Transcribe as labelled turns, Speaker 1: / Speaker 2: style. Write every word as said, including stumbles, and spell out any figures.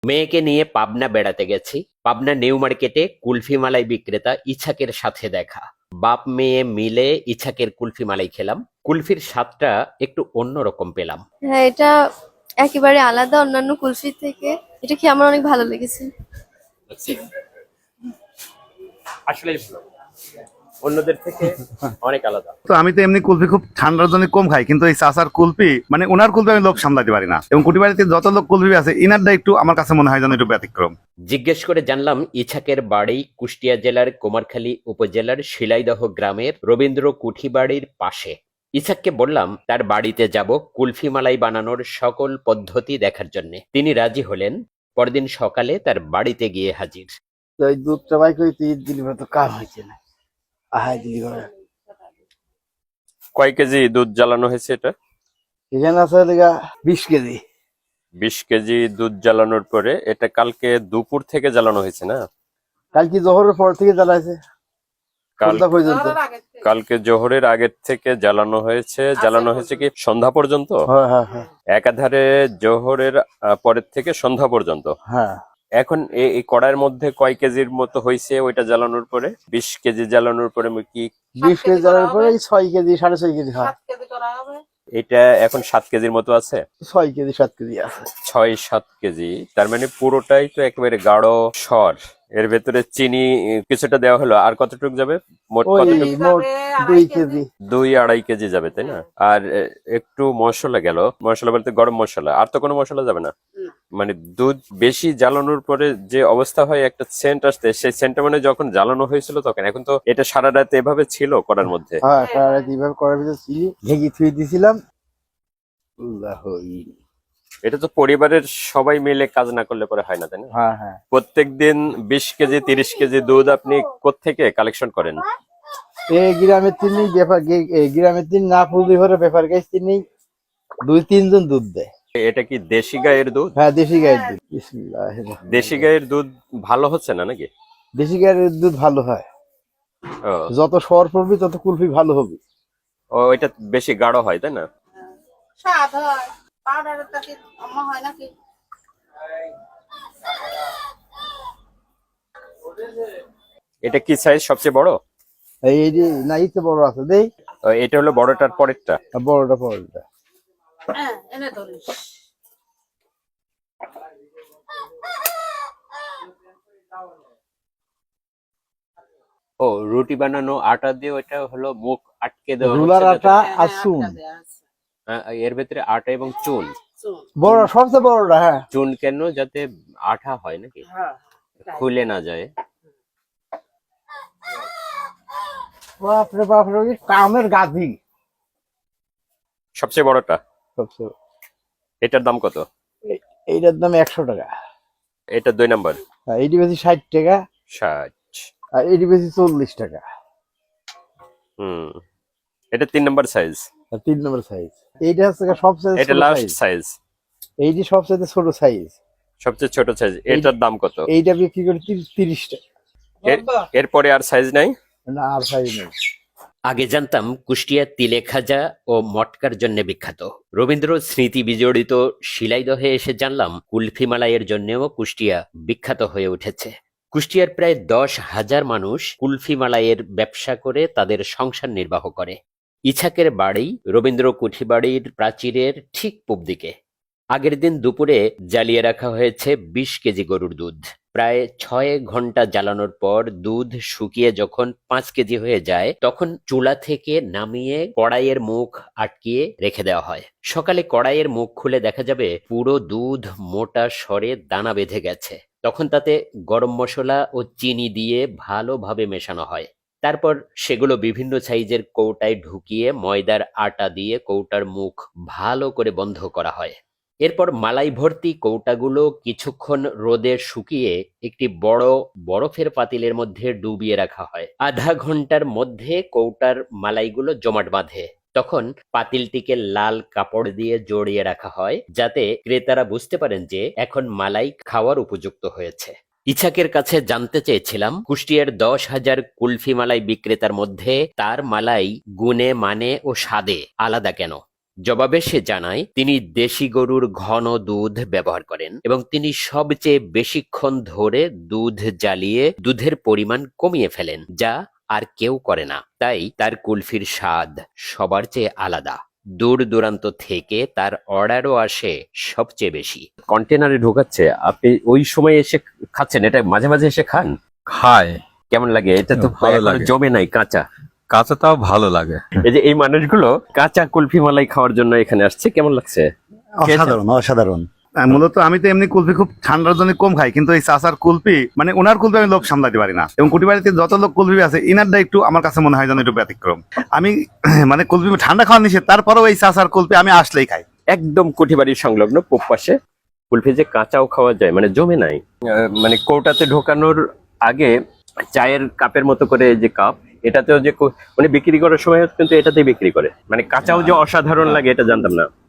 Speaker 1: মেয়েকে নিয়ে পাবনা বেড়াতে গেছি। পাবনা নিউ মার্কেটে কুলফি মালাই বিক্রেতা ইছাকের সাথে দেখা। বাপ মেয়ে মিলে ইছাকের কুলফি মালাই খেলাম। কুলফির স্বাদটা একটু অন্যরকম পেলাম।
Speaker 2: হ্যাঁ, এটা একেবারে আলাদা অন্যান্য কুলফি থেকে। এটা খেয়ে আমার অনেক ভালো লেগেছে।
Speaker 1: আসলে অন্যদের থেকে অনেক আলাদা।
Speaker 3: তো আমি তো এমনি কুলফি খুব ঠান্ডার জন্য কম খাই, কিন্তু এই চাচার কুলফি মানে ওনার কুলফি আমি লোভ সামলাতে পারি না। এবং কুটিবাড়িতে যত লোক কুলফি আছে ইনারটা একটু আমার কাছে মনে হয় যেন একটু ব্যতিক্রম।
Speaker 1: জিজ্ঞেস করে জানলাম ইছাকের বাড়ি কুষ্টিয়া জেলার কুমারখালী উপজেলার শিলাইদহ গ্রামের রবীন্দ্র কুঠিবাড়ির পাশে। ইছাককে বললাম তার বাড়িতে যাব কুলফি মালাই বানানোর সকল পদ্ধতি দেখার জন্য। তিনি রাজি হলেন। পরদিন সকালে তার বাড়িতে গিয়ে হাজির।
Speaker 4: ওই দুধটা বাই করে তুই দিলি তো কাম হয়েছে না। আহাই দিলি করে
Speaker 5: কয় কেজি দুধ জ্বালানো হয়েছে? এটা
Speaker 4: এখানে আছে লেগা বিশ কেজি।
Speaker 5: বিশ কেজি দুধ জ্বালানোর পরে এটা কালকে দুপুর থেকে জ্বালানো হয়েছে না?
Speaker 4: কালকে জোহরের পর থেকে জ্বালাইছে
Speaker 5: কাল
Speaker 4: সন্ধ্যা পর্যন্ত।
Speaker 5: কালকে জোহরের আগের থেকে জ্বালানো হয়েছে। জ্বালানো হয়েছে কি সন্ধ্যা পর্যন্ত?
Speaker 4: হ্যাঁ হ্যাঁ হ্যাঁ
Speaker 5: একাধারে জোহরের আহ, পরের থেকে সন্ধ্যা পর্যন্ত।
Speaker 4: হ্যাঁ।
Speaker 5: এখন এ- এই কড়াইয়ের মধ্যে কয় কেজির মতো হয়েছে ওইটা জ্বালানোর পরে? বিশ কেজি জ্বালানোর পরে কি
Speaker 4: বিশ কেজি জ্বালানোর পরে এই ছয় কেজি সাড়ে ছয় কেজি হয়।
Speaker 5: এটা এখন সাত কেজির মতো আছে?
Speaker 4: ছয় কেজি সাত কেজি আছে।
Speaker 5: ছয় সাত কেজি, তার মানে পুরোটাই তো একেবারে গাঢ় সর। এর ভেতরে চিনি কিছুটা দেওয়া হলো, আর কতটুকু যাবে? মোট
Speaker 4: ওই
Speaker 5: কতটুকু?
Speaker 4: মোট দুই কেজি।
Speaker 5: দুই আড়াই কেজি যাবে, তাই না? আর এ, একটু মশলা গেল। মশলা বলতে গরম মশলা, আর তো কোনো মশলা যাবে না? মানে দুধ বেশি জ্বালানোর পরে যে অবস্থা হয়, একটা সেন্ট আসতে, সেই সেন্টটা মানে যখন জ্বালানো হয়েছিল তখন। এখন তো এটা সারা রাত এভাবে ছিল করার মধ্যে।
Speaker 4: হ্যাঁ সারা রাত এইভাবে করার ভিতরে চিনি ঢেকে থুয়ে দিয়েছিলাম।
Speaker 5: এটা তো পরিবারের সবাই মিলে কাজ না করলে পরে হয় না, তাই না?
Speaker 4: হ্যাঁ হ্যাঁ।
Speaker 5: প্রত্যেকদিন বিশ কেজি তিরিশ কেজি দুধ আপনি কোত্থেকে কালেকশন করেন?
Speaker 4: এই গ্রামের তিনি ব্যাপার এই গ্রামের তিন না ফুলদি ভরে ব্যাপার গাছ তিনি দুই তিনজন দুধ দেয়।
Speaker 5: এটা কি দেশি গায়ের দুধ?
Speaker 4: হ্যাঁ দেশি গায়ের দুধ। বিসমিল্লাহির রহমানির রহিম।
Speaker 5: দেশি গায়ের দুধ ভালো হচ্ছে না নাকি?
Speaker 4: দেশি গায়ের দুধ ভালো হয়।
Speaker 5: ও,
Speaker 4: যত সর পড়বি তত কুলফি ভালো হবে।
Speaker 5: ও এটা বেশি গাঢ় হয়, তাই না?
Speaker 6: স্বাদ হয় পাউডারের থেকে আম্মা হয় নাকি?
Speaker 5: এটা কি সাইজ সবচেয়ে বড়?
Speaker 4: এই এই যে না ইতে বড় আছে দেই।
Speaker 5: ও, এটা হলো বড়টার পরেরটা।
Speaker 4: আর বড়টা বড়টা।
Speaker 6: হ্যাঁ এনে ধরিস।
Speaker 5: ও, রুটি বানানো আটা দিয়ে ওইটা হলো মুখ আটকে দেওয়া
Speaker 4: রুলার
Speaker 5: হচ্ছে যাতে-
Speaker 4: আটা
Speaker 6: হ্যাঁ,
Speaker 4: আর
Speaker 6: হ্যাঁ,
Speaker 4: চুন।
Speaker 6: আটটা দেয়া আছে।
Speaker 5: হ্যাঁ, এর ভেতরে আটা এবং চুন।
Speaker 6: চুন।
Speaker 4: বড় সবচেয়ে বড়টা। হ্যাঁ
Speaker 5: চুন কেন? যাতে আঠা হয় নাকি,
Speaker 6: হ্যাঁ
Speaker 5: খুলে না যায়।
Speaker 4: বাপরে বাপরে ওই কামের গাছি
Speaker 5: সবচেয়ে বড়টা
Speaker 4: সবচেয়ে।
Speaker 5: এটার দাম কত?
Speaker 4: এ- এইটার দাম একশো টাকা।
Speaker 5: এটা দুই নাম্বার
Speaker 4: আর এইটি বেশি ষাট টাকা।
Speaker 5: ষাট।
Speaker 4: আর এইটি বেশি চল্লিশ টাকা।
Speaker 5: হুম, এটা তিন নাম্বার সাইজ।
Speaker 4: আর তিন নম্বর সাইজ এইটা হচ্ছে সবচেয়ে
Speaker 5: এটা
Speaker 4: ছোট
Speaker 5: লাস্ট
Speaker 4: সাইজ।
Speaker 5: সাইজ,
Speaker 4: এইটি সবচেয়ে ছোট সাইজ।
Speaker 5: সবচেয়ে ছোট সাইজ। এটার দাম কত?
Speaker 4: এইটা বিক্রি করে তিরিশ তিরিশ টাকা।
Speaker 5: এর- এরপরে আর সাইজ নাই?
Speaker 4: না আর সাইজ নেই।
Speaker 1: আগে জানতাম কুষ্টিয়া তিলে খাজা ও মটকার জন্য বিখ্যাত। রবীন্দ্র স্মৃতি বিজড়িত শিলাইদহে এসে জানলাম কুলফি মালাইয়ের জন্যও কুষ্টিয়া বিখ্যাত হয়ে উঠেছে। কুষ্টিয়ার প্রায় দশ হাজার মানুষ কুলফি মালাইয়ের ব্যবসা করে তাদের সংসার নির্বাহ করে। ইছাকের বাড়ি রবীন্দ্র কুঠিবাড়ির প্রাচীরের ঠিক পূব দিকে। আগের দিন দুপুরে জ্বালিয়ে রাখা হয়েছে বিশ কেজি গরুর দুধ। প্রায় ছয় ঘন্টা জ্বালানোর পর দুধ শুকিয়ে যখন পাঁচ কেজি হয়ে যায়, তখন চুলা থেকে নামিয়ে কড়াইয়ের মুখ আটকিয়ে রেখে দেওয়া হয়। সকালে কড়াইয়ের মুখ খুলে দেখা যাবে পুরো দুধ মোটা সরে দানা বেঁধে গেছে। তখন তাতে গরম মশলা ও চিনি দিয়ে ভালোভাবে মেশানো হয়। তারপর সেগুলো বিভিন্ন সাইজের কৌটায় ঢুকিয়ে ময়দার আটা দিয়ে কৌটার মুখ ভালো করে বন্ধ করা হয়। এরপর মালাই ভর্তি কৌটাগুলো কিছুক্ষণ রোদে শুকিয়ে একটি বড় বরফের পাতিলের মধ্যে ডুবিয়ে রাখা হয়। আধা ঘন্টার মধ্যে কৌটার মালাইগুলো জমাট বাঁধে। তখন পাতিলটিকে লাল কাপড় দিয়ে জড়িয়ে রাখা হয়, যাতে ক্রেতারা বুঝতে পারেন যে এখন মালাই খাওয়ার উপযুক্ত হয়েছে। ইছাকের কাছে জানতে চেয়েছিলাম কুষ্টিয়ার দশ হাজার কুলফি মালাই বিক্রেতার মধ্যে তার মালাই গুণে মানে ও স্বাদে আলাদা কেন। জবাবে সে জানায় তিনি দেশি গরুর ঘন দুধ ব্যবহার করেন এবং তিনি সবচেয়ে বেশিক্ষণ ধরে দুধ জ্বালিয়ে দুধের পরিমাণ কমিয়ে ফেলেন, যা আর কেউ করে না। তাই তার কুলফির স্বাদ সবার চেয়ে আলাদা। দূর দূরান্ত থেকে তার অর্ডারও আসে সবচেয়ে বেশি। কন্টেনারে ঢোকাচ্ছে, আপনি ওই সময় এসে খাচ্ছেন, এটা মাঝে মাঝে এসে খান?
Speaker 7: খায়,
Speaker 1: কেমন লাগে? এটা তো
Speaker 7: ভালো
Speaker 1: এখনো
Speaker 7: লাগে।
Speaker 1: জমে নাই, কাঁচা।
Speaker 7: কাঁচাটাও ভালো লাগে।
Speaker 1: এই যে এই মানুষগুলো কাঁচা কুলফি মালাই খাওয়ার জন্য এখানে আসছে, কেমন লাগছে?
Speaker 3: অসাধারণ অসাধারণ। আহ, মূলত আমি তো এমনি কুলফি খুব ঠান্ডার জন্য কম খাই, কিন্তু এই চাচার কুলফি মানে ওনার কুলফি আমি লোভ সামলাতে পারি না। এবং কুটি বাড়িতে যত লোক কুলফি আছে ইনারটা একটু আমার কাছে মনে হয় যেন একটু ব্যতিক্রম। আমি মানে কুলফি ঠান্ডা খাওয়া নিষেধ, তারপরেও এই চাচার কুলফি আমি আসলেই খাই।
Speaker 1: একদম কুঠিবাড়ির সংলগ্ন পূব পাশে কুলফি যে কাঁচাও খাওয়া যায়, মানে জমে নাই। আহ, মানে কৌটাতে ঢোকানোর আগে চায়ের কাপের মতো করে যে কাপ, এটাতেও যে কো- মানে বিক্রি করার সময় কিন্তু এটাতেই বিক্রি করে। মানে কাঁচাও যে অসাধারণ লাগে এটা জানতাম না।